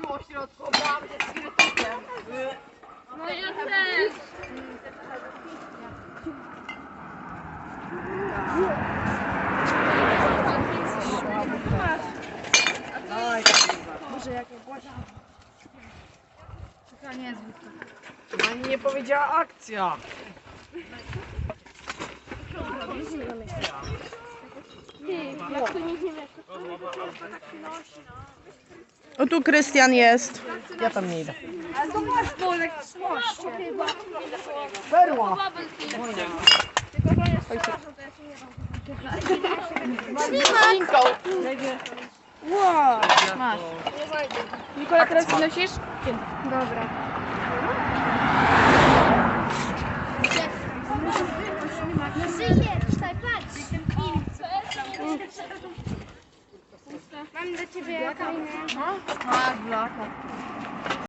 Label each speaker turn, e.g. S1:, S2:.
S1: po środku, obrałam się z krytykiem.
S2: No ja też.
S1: Boże, jakie głośno.
S2: Taka niezła.
S1: Pani nie powiedziała akcja.
S3: O, tu Krystian jest.
S1: Ja tam nie idę. Ale to masz bolek w słoście. Perła.
S2: Wow. Masz. Nikola, teraz nosisz?
S1: Dobra.
S4: Mam do ciebie fajne.
S2: Masz blaka.